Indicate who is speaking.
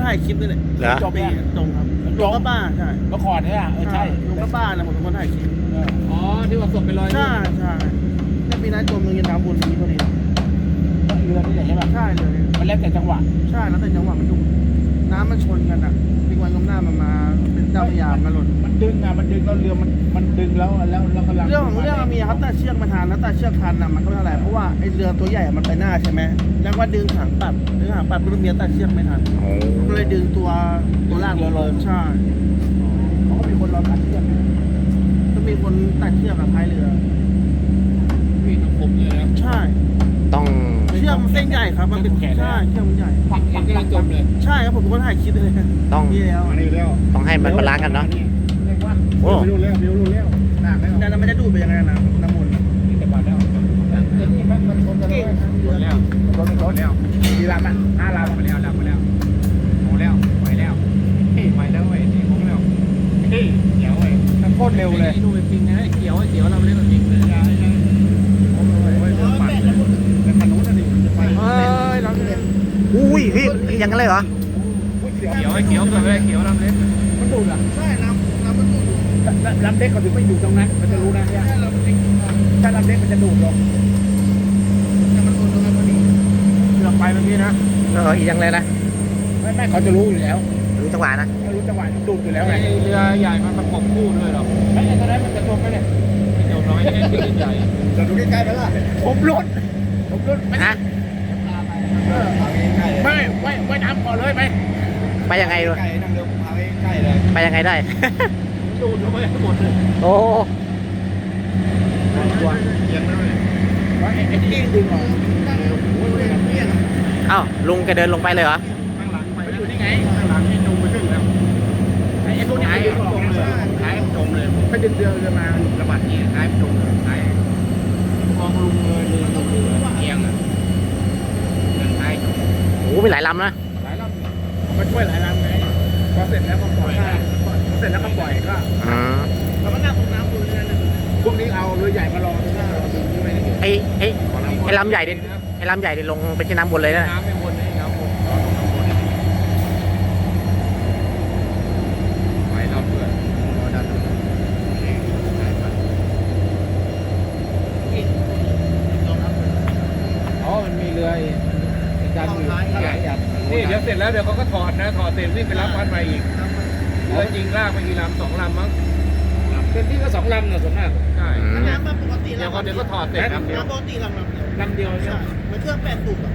Speaker 1: ถ่ายคลิปนี่แหละ
Speaker 2: เหรอ
Speaker 1: จบเองตรงครับลุงก็บ้าใช่
Speaker 3: เมื่อก่อนเนี่ยใช่
Speaker 1: ลุงก็บ้านะผมเป็นคนถ่ายคลิป
Speaker 4: อ๋อที่ว่าศพไปลอย
Speaker 1: ใช่ใช่แล้วปีนั้นจมลงยันน้ำบุญนี้พอดี
Speaker 3: เรือนี่ใช่ป่ะ
Speaker 1: ใช่เลย
Speaker 3: มันแล้วแต่จังหวะ
Speaker 1: ใช่แล้วแต่จังหวะมันดุน้ำมันชนกันอ่ะปีวันก้มหน้ามันมาเป็นเจ้าพระยามาหล่น
Speaker 3: มันดึงอ่ะมันดึงแล้วเรือมันดึงแล้วกำลัง
Speaker 1: เรื่องของเรื่องมีครับแต่เชือกมันทันแล้วแต่เชือกทันอ่ะมันก็ไม่เท่าไหร่เพราะว่าไอ้เรือตัวใหญ่มันไปหน้าใช่ไหมแล้วก็ดึงหางปัดรุ่นเมียแต่เชือกไม่ทัน
Speaker 2: โอ้
Speaker 1: ก็เลยดึงตัวล่างลงใช่
Speaker 3: เขาก็มีคนรอตัดเชือก
Speaker 1: ก็มีคนตัดเชือกกับท้ายเรือ
Speaker 4: พี่ต้องคมเลยนะ
Speaker 1: ใช่
Speaker 2: ต้อง
Speaker 1: เชือกมันเส้นใหญ่ครับมันเป็นใช่เชือกมันใหญ่
Speaker 4: ปักเองกำลังจมเลย
Speaker 1: ใช่ครับผมเป็นคนถ่ายคลิปเลย
Speaker 2: ต้อง
Speaker 1: นี่แล้ว
Speaker 3: มานี่แล้ว
Speaker 2: ต้องให้มันบาลานซ์กันเนาะ โอ้
Speaker 3: ไม่รู้แล้วหนักแล้ว
Speaker 1: นั่นมันจะดูดไปยังไงนะน้ำมนต์
Speaker 3: นี่แต่ก่อนแล้วนี่มันชนกันเลยชนแล้วกี่ลำอ่ะ5 ลำไปแล้วโอ้แล้วไปแล้วไปแล้วเว้ยนี่คงแล้วเฮ้ยเดี๋ยวเว้ยมันโคตรเร็วเลย
Speaker 4: ดูเป็นจริงนะเขียวเราเล่นแบบจริงเลย
Speaker 2: อุ้ยพี่ยังกันเลยเหรอ
Speaker 4: เขียวแบบเขียวเราเล่น
Speaker 3: มันดูดอ่ะ
Speaker 1: ใช่น้ำมันดูด
Speaker 3: ลำเล็กเขาถึงไม่อยู่ตรงนั้นมันจะรู้นะเนี่ยถ้าลำเล็กมันจะดูดลง
Speaker 1: แต่มันโดนตรงนั้นพอดี
Speaker 3: เรือไปเมื่อกี้นะ
Speaker 2: อีกยังเลยนะ
Speaker 3: ไม่เขาจะรู้อยู่แล้ว
Speaker 2: รู้จังหวะนะ
Speaker 3: เขารู้จังหวะดูดอยู่แล้วไง
Speaker 4: เรือใหญ่มันประกบคู่ด้วยหรอ
Speaker 3: ไอ้ตอนนั้นมันจะจมไหมเนี่ย
Speaker 4: ไม่เดี๋ยวน้อยแค่ที่ใหญ่
Speaker 1: จะดูใกล้ๆไปล่ะ
Speaker 3: ผมรุดไม่
Speaker 2: ฮะ
Speaker 3: ไม่น้ำก่อนเลยไป
Speaker 2: ไปยังไงดู
Speaker 1: ใกล้นั่งเรือพาไปใกล้เลย
Speaker 2: ไปยังไงได้
Speaker 4: ดูดลงไปหมดเลย
Speaker 2: โอ้
Speaker 4: เอียงเลย
Speaker 3: ว่าไอ้ที่ดึงออก
Speaker 2: เอ้าลุงแกเดินลงไปเลยเหรอ
Speaker 4: ข้างหลังไปอยู่นี่ไงข้างหลังนี่จมไปขึ้นแล้ว
Speaker 3: ไอ้พวกนี้ดึงออกเลย
Speaker 4: ท้ายจมเลย
Speaker 3: ไม่ดึงเรือมาระบาดนี่ท้ายจมเลยท้าย
Speaker 4: มองลุงเลยเรือต้องเรือเอียงอ่ะเดินท้ายจม
Speaker 2: โอ้มีหลายลำนะ
Speaker 3: หลายรอบมาช่วยหลายรอบไงพอเสร็จแล้วก็ปล่อยเสร็จแล้วก็ปล่อยก็
Speaker 2: อืม
Speaker 1: แล้วมันนั่งตรงน้ำบุญเลยนะ
Speaker 3: พวกนี้เอาเรือใหญ่มารอที่หน้าเราดึงที่ไม่ได้
Speaker 2: ไอ้ลำใหญ่ดิลงไปที่น้ำบนเลยนะ
Speaker 4: น้ำไม่วนให้น้ำวนไปเราเพื่อน
Speaker 3: อ๋อมันมีเรือดันอยู่หลายอย่าง
Speaker 4: นี่เดี๋ยวเสร็จแล้วเดี๋ยวเขาก็ถอดนะถอดเสร็จวิ่งไปรับพันมาอีกเรือจริงลากไปกี่ลำ2 ลำมั้ง
Speaker 3: เต็มที่ก็2 ลำนะส่วนมาก
Speaker 4: ใช่
Speaker 1: น้ำมันปกติ
Speaker 4: เดี๋ยวก็ถอดเสร็จนะ
Speaker 1: น้ำปกติลำเดียว
Speaker 3: ลำเดียวใช่ไหม
Speaker 1: เหมือนเครื่อง8 สูบ